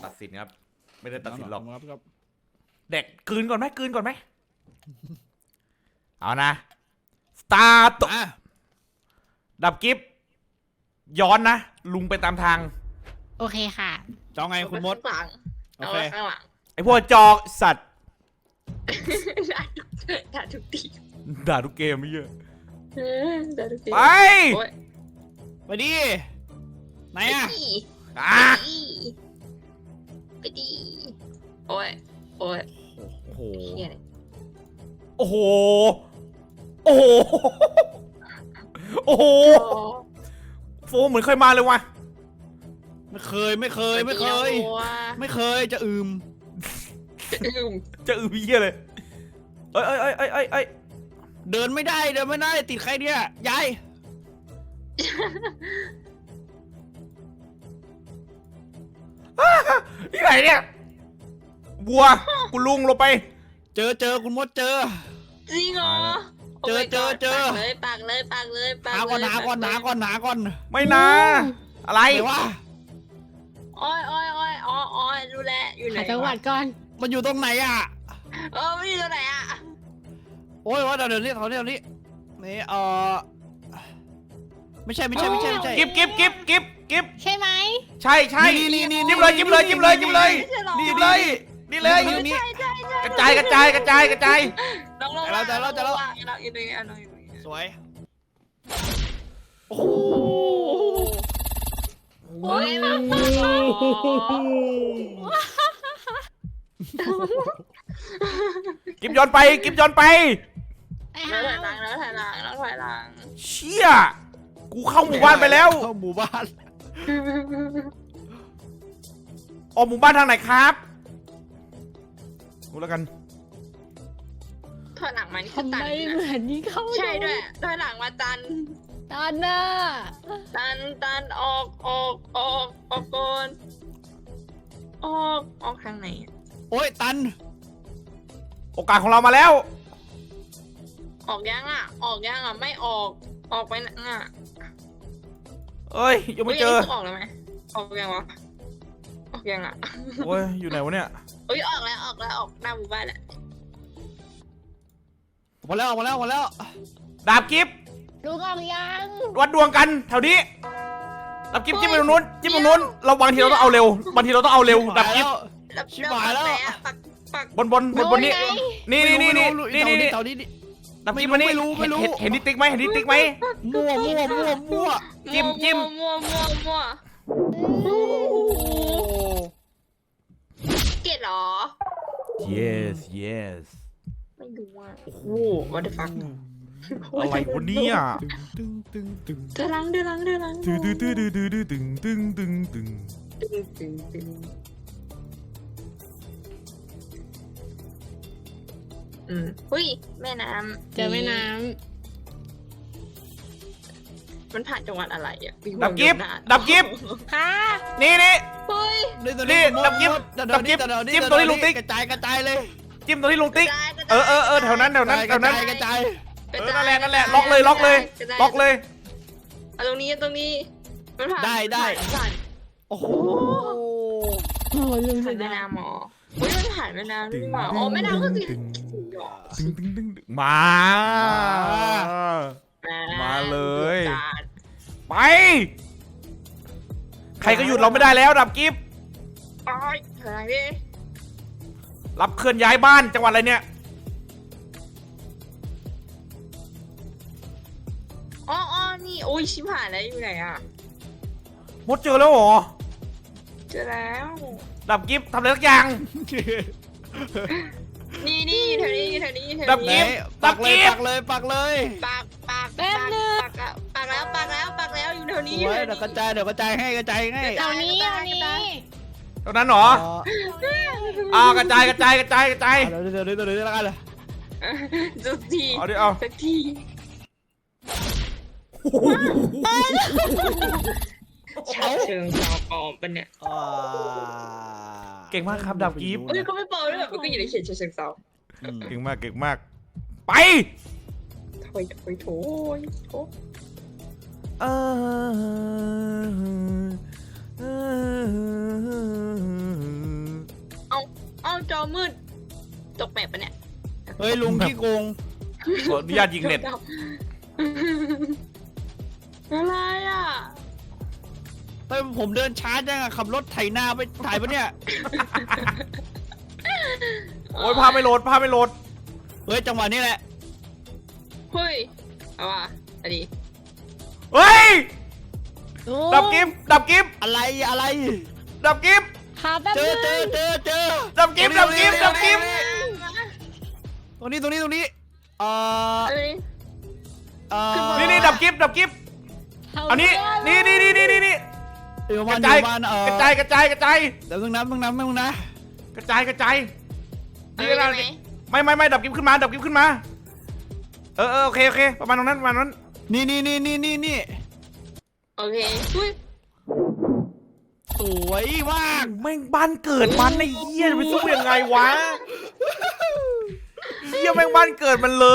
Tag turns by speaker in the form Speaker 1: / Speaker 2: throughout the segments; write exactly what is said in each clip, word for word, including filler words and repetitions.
Speaker 1: ตัดสินครับไม่ได้ตัดสินหรอก
Speaker 2: ครับ
Speaker 1: เด็กกลืนก่อนไหมกลืนก่อนไหมเอานะสตาร์ทดับกิฟย้อนนะลุงไปตามทาง
Speaker 3: โอเคค่ะ
Speaker 2: จะเอาไงคุณมด
Speaker 4: ข้างหลัง
Speaker 2: โอ
Speaker 4: เอา
Speaker 2: เค
Speaker 4: ข้างหลัง
Speaker 1: ไอพวกจอกสัตว์
Speaker 4: ด่าทุกที
Speaker 1: ด่าทุกเกมไม่เยอะ
Speaker 4: ด่าทุกที
Speaker 1: ไป
Speaker 4: โอ๊ย
Speaker 2: ไปดิไหนอะ
Speaker 4: ไปดี
Speaker 1: อ่ะ
Speaker 4: ไปดีโอ้ยโอ้ย
Speaker 1: โอ้โห
Speaker 4: เฮียเลย
Speaker 1: โอ้โหโอ้โหโอ้โหโฟเหมือนเคยมาเลยวะ
Speaker 2: ไม่เคยไม่เคยไม่เคย ไม่เคยจะอืม
Speaker 4: อืม
Speaker 1: จะอือพี่เลยเอ้ยเอ้ยเอ้ยเอ้ยเอ้ยเอ้ย
Speaker 2: เดินไม่ได้เดินไม่ได้ติดใครเนี่ยยาย
Speaker 1: ที่ไหนเนี่ยบัวกูลุงลงไป
Speaker 2: เจอเจอคุณมดเจอ
Speaker 4: จริงเหรอ
Speaker 2: เจอเจอเจอ
Speaker 4: ปากเลยปากเลยปากเลยปาก
Speaker 2: หา
Speaker 4: เลย
Speaker 2: ก่อนหาก่อนหาก่อนหาก่อน
Speaker 1: ไม่นะอะไร
Speaker 2: ไหนวะ
Speaker 4: โอ้ยโอ้ยโอ้ยอ๋ออ๋อรู้แล้วอยู่ไหน
Speaker 3: หาจังหวัดก่อน
Speaker 2: มันอยู่ตรงไหนอะ
Speaker 4: เออไม่อยู่ตรงไหนอ่ะ
Speaker 2: โอ้ยว่าเดี๋ยวเดี๋ยวนี้เดี๋ยวนี้เดี๋ยวนี้นี่เออไม่ใช่ไม่ใช่ไม่ใช่ไม่ใช่
Speaker 1: กิบกิบกิบกิบกิบ
Speaker 3: ใช่ไหม
Speaker 1: ใช่ใช่
Speaker 2: นี่นี่นี่
Speaker 1: จิ้มเลยจิ้มเลยจิ้มเลยจิ้มเลย
Speaker 4: ไม่ใช่หรอ
Speaker 1: นี่เลยนี่เลย
Speaker 2: นี่นี่
Speaker 4: ใช่ใช่ใช่
Speaker 1: กระจายกระจายกระจายกระจาย
Speaker 4: น้องลง
Speaker 2: เราจะเราจะเรา
Speaker 4: เราอยู่ตรงนี้เราอยู่ตรงนี้
Speaker 2: สวยโอ้โห
Speaker 4: โอ้ยมา
Speaker 1: กิบย้อนไปกิบย้อนไป
Speaker 3: ไป
Speaker 4: แล้
Speaker 3: หาว
Speaker 4: ถอยหลังแล้วถอยหลังแล้วถอยหลัง
Speaker 1: เชี่ยกูเข้าหมู่บ้านไปแล้ว
Speaker 2: เข้าหมู่บ้าน
Speaker 1: ออกหมู่บ้านทางไหนครับดูแล้วกัน
Speaker 4: ถอยหลังมานี่คือ
Speaker 3: ทำไม
Speaker 4: ตัน
Speaker 3: เหมื
Speaker 4: นะ
Speaker 3: อนนี้เข้า
Speaker 4: ใช่ด้วยถอยหลังมาตัน
Speaker 3: ตอนน่ะ
Speaker 4: ตันตันออกออกออกออกก่อนออกออกทางไหนอะ
Speaker 2: โอ้ยตัน
Speaker 1: โอกาสของเรามาแล้ว
Speaker 4: ออกยังอ่ะ ออกยังอ่ะไม่ออกออกไปนะอ่ะ
Speaker 1: เอ้ยยังไม่เจอ
Speaker 4: ฮ้ยนนี้คือออกแล้วไหมออกยังวะออกยังอ่ะ
Speaker 1: โอ้ยอยู่ไหนวะเนี่ย
Speaker 4: เอ้ยออกแล้วออกแล้วออกหน้าหมู่บ้านแล้ว
Speaker 2: มาแล้วมาแล้วมาแล้ว
Speaker 1: ดาบกิฟ
Speaker 3: ลุงออกยัง
Speaker 1: วัดดวงกันแถวนี้ดาบกิฟจิ้มไปตรงนู้นจิ้มตรงนู้นเราบางทีเราต้องเอาเร็วบางทีเราต้องเอาเร็วดาบกิฟ
Speaker 4: แล้ว
Speaker 2: ชิบหายแล้ว
Speaker 4: ปักไหนอะปักปัก
Speaker 1: บนบนบนบนนี้นี่นี่นี่นี่นี่นี่นี่
Speaker 2: แถวนี้
Speaker 1: ดาบกิฟมานี่
Speaker 2: ไม่รู้ไม่รู้
Speaker 1: เห็นเห็นนิติ๊กไหมเห็นนิติ๊กไหม
Speaker 2: มั่วมั่วมั่วมั่ว
Speaker 1: จิ้มจิ้ม
Speaker 4: มั่วมั่วมั่วเกลียดเหรอ
Speaker 1: yes yes
Speaker 4: ไม่รู้อ่ะโอ้โห what the fuck
Speaker 1: อะไรวะเนี่ย
Speaker 2: ตึงตึงตึง
Speaker 4: เดือดรังเดือดรังเดือดรัง
Speaker 1: ตึงตึงตึงตึงตึงตึงตึงตึงตึง
Speaker 4: ตึงตึงตึงอืมหุ้ยแม่น้ำ
Speaker 3: เจอแม่น้
Speaker 4: มันผ่านจังหวัดอะไรอ่ะ
Speaker 1: ดับกิฟดับกิฟ
Speaker 3: ำค่ะ
Speaker 1: นี่นี่
Speaker 4: เฮ้ย
Speaker 1: นี่ดับกิ๊บดับกิ๊บจิ้มตัวที่ลุงติ๊ก
Speaker 2: กระจายกระจายเลย
Speaker 1: จิ้มตัวที่ลุงติ๊ก
Speaker 4: กระจายกระจาย
Speaker 1: เออเออเออแถวนั้นแถวนั้นแถวนั้น
Speaker 2: กระจาย
Speaker 1: เออนั่นแหละนั่นแหละล็อกเลยล็อกเลย
Speaker 4: กระจา
Speaker 1: ล็อกเลย
Speaker 4: เอาตรงนี้ตรงนี้มันผ่าน
Speaker 2: ได้ได้
Speaker 4: ผ่าน
Speaker 2: โอ้โห
Speaker 3: โอ้ลุงสุ
Speaker 4: ผ่าน
Speaker 3: ด
Speaker 4: แม่
Speaker 3: ยอด
Speaker 4: น้ำหมออุ้ยมันผ่านแม่น้ำด้วยหว่าอ๋อแม่น้ำก็สิ
Speaker 1: ตึงตึงตึงตึงมา มาเลย ไป ใครก็หยุดเราไม่ได้แล้วดับกิฟ
Speaker 4: โอ้ยเท่าไหร่ดิ
Speaker 1: รับเคลื่อนย้ายบ้านจังหวัดอะไรเนี่ย
Speaker 4: อ๋ออ๋อนี่โอ้ยชิบหายแล้วอยู่ไหนอ่ะ
Speaker 1: มดเจอแล้วเหรอ
Speaker 4: เจอแล้ว
Speaker 1: ดับกิฟทำอะไรสักอย่าง
Speaker 4: นี่นี่แถวนี้แถวนี้แถว
Speaker 1: ดับ
Speaker 4: นี้
Speaker 1: กิ๊บ
Speaker 2: ปักเลยปักเลยปักเลย
Speaker 4: ปากปากปากปากแล้วปากแล้วปากแล้วปากแล้วอยู่แถวนี้
Speaker 2: สวยเดี๋ยวกระจายเดี๋ยวกระจายให้กระจายให้
Speaker 3: เอานี้เอานี้
Speaker 1: ตรงนั้นเหรออ่ากระจายกระจายกระจายกระจาย
Speaker 2: เดี๋ยวเดี๋ยวเดี๋ยวเดี๋ยวแล้วกันเลย
Speaker 4: จุดที
Speaker 1: เอาดิเอา
Speaker 4: สักที ชาเชิงชาวปลอมปะเนี่ย
Speaker 1: เก่งมากครับดับกิฟ
Speaker 4: เอ้ยก็ไม่ปลอมด้วยแบบมันก็อยู่ในเขตชาเชิงเซา
Speaker 1: เก่งมากเก่งมาก ไป
Speaker 4: โถยโถยโถยโถ
Speaker 1: เออ
Speaker 4: อมืดตกแมปปะเนี่ย
Speaker 2: เฮ้ยลุงขี้โกง
Speaker 1: ขออนุญาตยิงเน็ต
Speaker 4: อะไรอ่ะ
Speaker 2: เฮ้ยผมเดินช้าจังอะขับรถไถนาไปถ่ายปะเนี่ย
Speaker 1: โอ้ยภาพไม่โหลดภาพไม่โหลด
Speaker 2: เฮ้ยจังหวะนี้แหละ
Speaker 4: เฮ้ยเอาว่ะอันนี้
Speaker 1: เฮ้ย
Speaker 3: ลุง
Speaker 1: ดับกิฟดับกิฟ
Speaker 2: อะไรอะไร
Speaker 1: ดับกิฟ
Speaker 3: หาแป๊บ
Speaker 2: เจ
Speaker 3: นึ
Speaker 2: อง เจอเจอเจอ
Speaker 1: ดับกิฟดับกิฟดับกิฟ
Speaker 2: ตรงนี้ตรงนี้ตรงนี้เอ่อ
Speaker 4: เอ้ย
Speaker 2: เอ่อ
Speaker 1: นี่นี่ดับกิฟดับกิฟอันนี้นี่นี่นี่นี่นี่นี่
Speaker 2: อยู่
Speaker 1: ก
Speaker 2: บ้า
Speaker 1: ระ
Speaker 2: นอ
Speaker 1: จาย
Speaker 2: ยู่บ้านเอ่อก
Speaker 1: ระจายกระจายกระจาย
Speaker 2: เดี๋ยวมึงน้ำมึงน้ำมึงนะ
Speaker 1: กระจายกระจาย
Speaker 4: เอา
Speaker 1: นี่
Speaker 4: ได้
Speaker 1: นะ
Speaker 4: ไหม
Speaker 1: ไม่ไม่ไม่ดับกิฟขึ้นมาดับกิฟขึ้นมาเออเออโอเคโอเคประมาณตรงนั้นประมาณนั้น
Speaker 2: นี่นี่นี่นี่นี่นี่
Speaker 4: โอเคอุ้ย
Speaker 2: สวยมาก
Speaker 1: แม่งบ้านเกิดมันไอ้เหี้ยจะไปสู้ยังไงวะเหี้ยแม่งบ้านเกิดมันเลย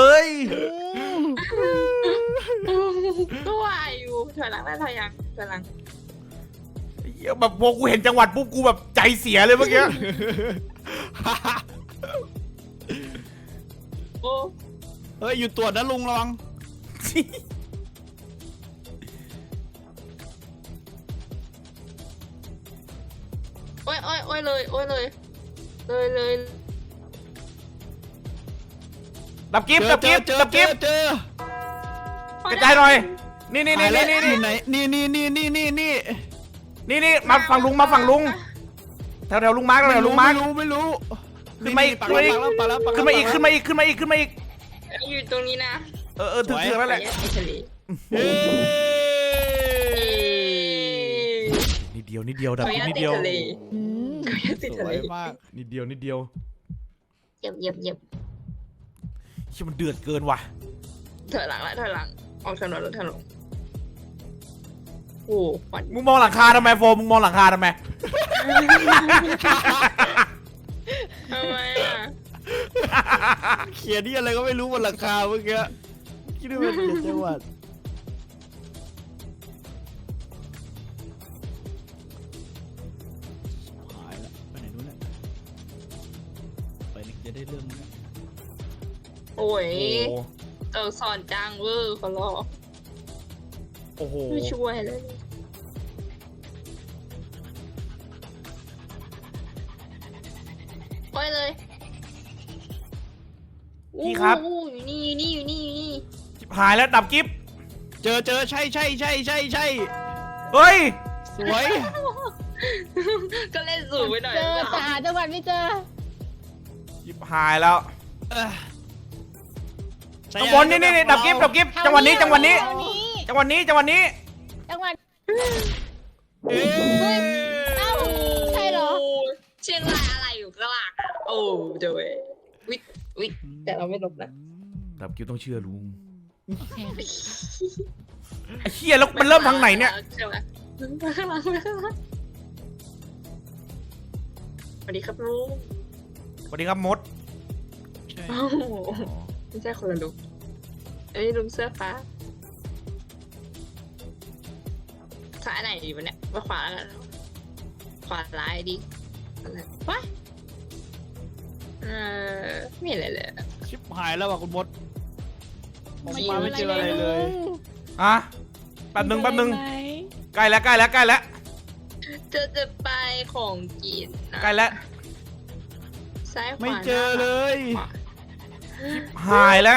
Speaker 4: ก็ว่าอยู่ถอยหลังได้ถอยหลังถอยหลัง
Speaker 1: เหี้ยแบบพอกูเห็นจังหวัดปุ๊บกูแบบใจเสียเลยเมื่อกี้
Speaker 4: โอ้
Speaker 2: เฮ้ยอยู่ตรวจนะลุงระวัง
Speaker 4: โอ้ยโอ้ยโอ้ยเลยโอ้ยเลยเลยเลย
Speaker 1: ดับกิฟดับกิฟ
Speaker 2: เจอ
Speaker 1: ดับ
Speaker 2: เจ
Speaker 1: กิ
Speaker 2: อ
Speaker 1: ฟ
Speaker 2: เจอก
Speaker 1: ระจายหน่อย นี่นี่นี่
Speaker 2: นี่
Speaker 1: นี่
Speaker 2: นี่
Speaker 1: นี่
Speaker 2: นี่นี่นี่นี่นี่นี่
Speaker 1: นี่นี่มาฝั่งลุงมาฝั่งลุงแถวแถวลุงมาร์กแถวลุงมาร์ก
Speaker 2: ไม่รู้ไม่รู้
Speaker 1: ขึ้นมาอีก
Speaker 2: ปักแล้วปักแล้วปักแล้ว
Speaker 1: ขึ้นมาอีกขึ้นมาอีกขึ้นมาอีกขึ้นมาอีก
Speaker 4: อยู่ตรงนี้นะ
Speaker 1: เออเออถึงถึงแล้วแหละ
Speaker 4: ไอ้ทะเล
Speaker 2: เฮ้
Speaker 1: นิดเดียวนิดเดียวดับ
Speaker 4: ขออ
Speaker 1: กิฟ
Speaker 4: นุญาต
Speaker 1: นิด
Speaker 4: ติด
Speaker 1: เดียว
Speaker 4: ทะเล
Speaker 3: อืม
Speaker 4: ขออนุญาตติด
Speaker 2: ส
Speaker 4: ทะ
Speaker 2: ว
Speaker 4: เลย
Speaker 2: มาก
Speaker 1: นิดเดียวนิดเดียว
Speaker 4: เหยียบเหยียบเหยียบ
Speaker 1: เชี่ยมันเดือดเกินว่ะ
Speaker 4: ถอยหลังละถอยหลังออกถนนรถถนนโอ้ควัน
Speaker 1: มึงมองหลังคาทำไมโฟมมึงมองหลังคาทำไม
Speaker 4: ทำไมอ่ะ
Speaker 2: เขียนนี่อะไรก็ไม่รู้บนหลังคาเมื่อกี้คิดว่าเป็นจังหวัดหายละไปไหนนู้นเนี่ยไปนี่จะได้เรื่องนี้
Speaker 4: โอ้ย
Speaker 1: โอ้
Speaker 4: เออสอนจังเวอร์เขารอ
Speaker 1: โอ้โห
Speaker 4: ไม่ช่วยเลยไปเลย
Speaker 1: พี่ครับ
Speaker 4: อู้อยู่นี่อยู่นี่อยู่นี่อยู่นี่
Speaker 1: ชิบหายแล้วดับกิฟ
Speaker 2: เจอเจอใช่ใช่ใช่ใช่ใช่
Speaker 1: เฮ้ย
Speaker 2: สวย
Speaker 4: ก็เล่นสูงไปหน่อย
Speaker 3: เจอแต่หาจังหวัดไม่เจอ
Speaker 1: ชิบหายแล้ว
Speaker 2: เอ้อ
Speaker 1: ข้างบนนี่นี่นี่ดับกิฟดับกิฟจังหวะนี้จังหวะนี้
Speaker 3: แถวนี้
Speaker 1: จังหวะนี้จังหวะนี้
Speaker 3: จังหวัด
Speaker 2: เอ้ย
Speaker 3: เอ้าใช่เหรอ
Speaker 4: โเชียงรายอะไรอยู่กลางอะโอ้เดี๋ยวเว้ยวิทวิทแต่เราไม่ลบนะ
Speaker 1: ดับกิฟต้องเชื่อลุง
Speaker 3: โอเค
Speaker 1: ไอ้เหี้ยแล้วมันเริ่มทางไหนเนี่ย
Speaker 4: ใช่ไหมข้างหลังข้างหลังสวัสดีครับลุง
Speaker 1: สวัสดีครับมด
Speaker 2: ใช่
Speaker 4: โอ้โหไม่ใช่คนละลุงเอ้ยลุงเสื้อฟ้าซ้ายไหนดีวะเนี่ยว่าขวาแล้วกันขวาร้ายดีอะไรวะเออไม่เห็นอะไรเลย
Speaker 2: ชิบหายแล้วว่ะคุณมดออก
Speaker 3: ไม่
Speaker 2: มาไม่เจออะไรเลย
Speaker 1: อ่ะแป๊บหนึงแป๊บหนึงใกล้แล้วใกล้แล้วใกล้แล้ว
Speaker 4: จะจะไปของกินนะ
Speaker 1: ใกล้แล้ว
Speaker 4: ซ้ายขวา
Speaker 2: ไม่เจอเลย
Speaker 4: ขวา
Speaker 1: หายแล้ว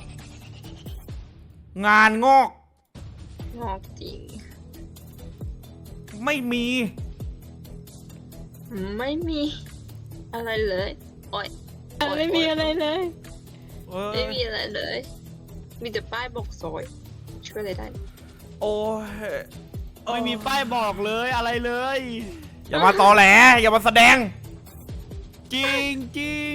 Speaker 1: งานงอก
Speaker 4: งอกจริง
Speaker 1: ไม่มี
Speaker 4: ไม่มีอะไรเลยโอ้ย
Speaker 3: ไม่มีอะไรเลย
Speaker 1: เออ
Speaker 4: ไม่มีอะไรเลย มีแต่ป้ายบอกซอย ช่วยอะไรได้
Speaker 1: โอ้ย
Speaker 2: ไม่มีป้ายบอกเลยอะไรเลย
Speaker 1: อย่ามาตอแหลอย่ามาแสดง
Speaker 2: จริงจริง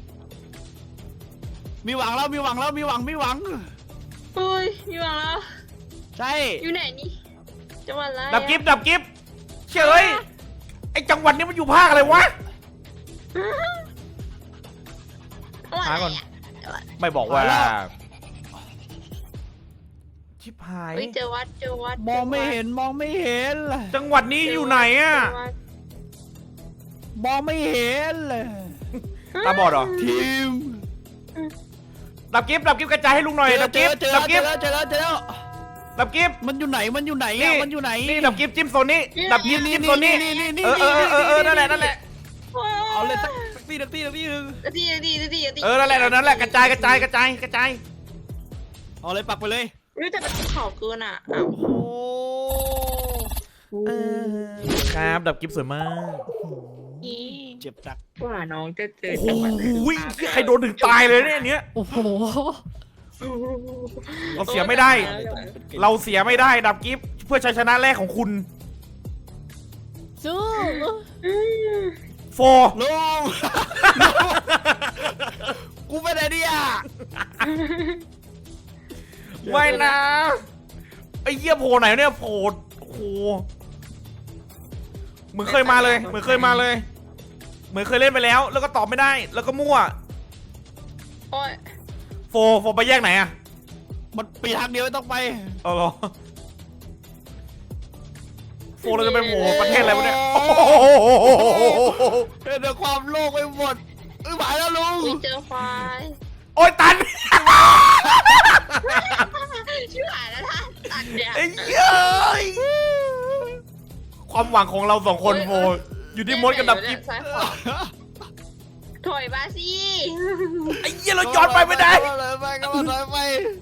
Speaker 2: มีหวังแล้วมีหวังแล้วมีหวังมีหวัง
Speaker 4: เฮ้ยมีหวังแล้ว
Speaker 2: ใช่
Speaker 4: อยู่ไหนนี่จังหวัดอะไรอะ
Speaker 1: ดับกิฟดับกิฟเฉยไอจังหวัดนี้มันอยู่ภาคอะไรวะ
Speaker 4: จังหวัด
Speaker 1: หา
Speaker 4: อะไร
Speaker 1: ก่อน
Speaker 4: อะจังหวัด
Speaker 1: ไม่บอกว่า ชิบหาย
Speaker 4: เฮ้ยเจอวัดเจอวัด
Speaker 2: มองไม่เห็นมองไม่เห็น
Speaker 1: จังหวัดนี้อยู่ไหนอ่ะ
Speaker 4: เจวัด
Speaker 2: อมองไม่เห็นเลย
Speaker 1: ตาบอดเหรอ
Speaker 2: ทีม
Speaker 1: ดับกิฟต์ดับกิฟต์กระจายให้ลุงหน่อย
Speaker 2: เจอ
Speaker 1: ดับ
Speaker 2: เจ
Speaker 1: กิฟ
Speaker 2: อ
Speaker 1: ต์
Speaker 2: เจอ
Speaker 1: ดับกิ
Speaker 2: เจ
Speaker 1: ฟ
Speaker 2: อ
Speaker 1: ต์
Speaker 2: เจอเจอ
Speaker 1: ดับกิฟต์
Speaker 2: มันอยู่ไหนมันอยู่ไหน
Speaker 1: นี่
Speaker 2: อ่ะมันอยู่ไหน
Speaker 1: นี่ดับกิฟต์จิ้มโซนนี้ดับกิฟต์
Speaker 2: นี่
Speaker 1: จิ้มโซนนี้
Speaker 2: นี่นี่นี่
Speaker 1: เออเออเออเออนั่นแหละนั่นแหละ
Speaker 2: เอาเลยสักสักทีสักทีสักทีหนึง
Speaker 4: ดีดีดีดีดี
Speaker 1: เออนั่นแหละนั่นแหละกระจายกระจายกระจายกระจาย
Speaker 2: เอาเลยปักไปเลย
Speaker 4: รู้แต่มันขอบเกินอ่ะอ้าว
Speaker 2: โอ้
Speaker 1: ครับดับกิฟต์สวยมาก
Speaker 2: เจ็บจัก
Speaker 4: กว่าน้องจะเจอ
Speaker 1: โอ้โห
Speaker 4: จังหวะนั้น
Speaker 1: ใครโดนถึงตายเลยเนี่ยอันเนี้ย
Speaker 3: โอ้โห
Speaker 1: เราเสียไม่ได้ เราเสียไม่ได้ดับกิฟต์เพื่อชัยชนะแรกของคุณ
Speaker 3: สู้
Speaker 4: อืม
Speaker 1: โฟ
Speaker 2: ลุง กูไปไหนเนี่ย
Speaker 1: ไม่นะไอ้เหี้ยโผล่ไหนเนี่ยโผล่โอ้โหเหมือนเคยมาเลยเหมือนเคยมาเลย เหมือนเคยเล่นไปแล้ว แล้วก็ตอบไม่ได้ แล้วก็มั่ว
Speaker 4: โอ้ย
Speaker 1: โฟโฟไปแยกไหนอะ
Speaker 2: มันปีทางเดียวไม่ต้องไป
Speaker 1: เอาเหรอโฟเราจะไปโผล่ประเทศอะไรวะเนี่ยโอ้โห
Speaker 2: เดี๋ยวความโลกไปหมดเอ้ยหมายแล้วลุง
Speaker 4: ไม่เจอควาย
Speaker 1: โอ้ยตัน
Speaker 4: ชื่อหายแล้วท่านตัดเนี่ย
Speaker 1: ไอ้เย้ยความหวังของเราสองคนโฟอยู่ที่มดกับดับกิฟ
Speaker 4: ซ้ายขวาถอยมาสิ
Speaker 1: ไอ้เหี้ยเราย้อนไปไม่ได้
Speaker 2: ก็เลยไปก็เลยไป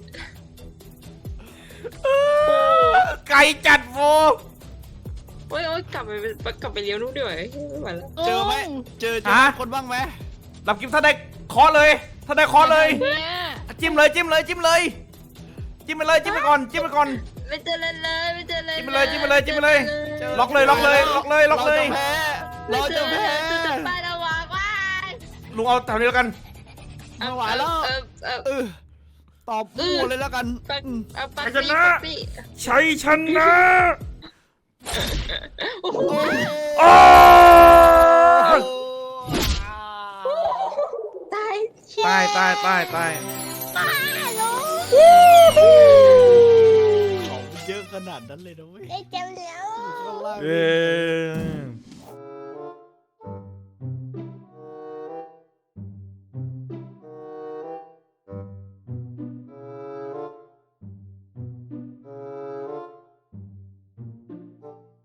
Speaker 1: ไกลจัดโฟ
Speaker 4: โอ้ยโอ้ยกลับไปกลับไปเลี้ยวนู้นด้วยไม่ไหวแล้ว
Speaker 2: เจอไหมเจอเจอคนบ้างไหม
Speaker 1: ดับกิฟถ้าได้เคาะเลย ถ้าได้เคาะเลย
Speaker 3: เนี่ย
Speaker 1: จิ้มเลยจิ้มเลยจิ้มเลย จิ้มไปเลยจิ้มไปก่อนจิ้มไปก่อน
Speaker 4: ไม่เจอเลยเลยไม่เจอเลย
Speaker 1: จิ้มไปเลยจิ้มไปเลยจิ้มไปเลย ล็อกเลยล็อกเลยล็อกเลยล็อกเลย
Speaker 2: เราจะแพ้
Speaker 4: จะ
Speaker 2: เราจะ
Speaker 4: ไป
Speaker 2: แพ้
Speaker 4: ระวังว่า
Speaker 1: ลุงเอาแถวนี้แล้วกัน
Speaker 2: ไม่ไหวแล้ว
Speaker 4: เออเออ
Speaker 2: เออตอบพูดเลยแล้วกัน
Speaker 4: ปักเอาปัก
Speaker 1: ชนะ
Speaker 4: ปี้
Speaker 1: ชัยชนะ
Speaker 4: โอ้โห
Speaker 1: โอ้
Speaker 4: ตาย
Speaker 1: ตายตายตายตาย
Speaker 2: ของเยอะขนาดนั้นเลยนะเว้ย
Speaker 3: ได้เจ็บแล้ว
Speaker 2: ข้างล่าง
Speaker 1: เออ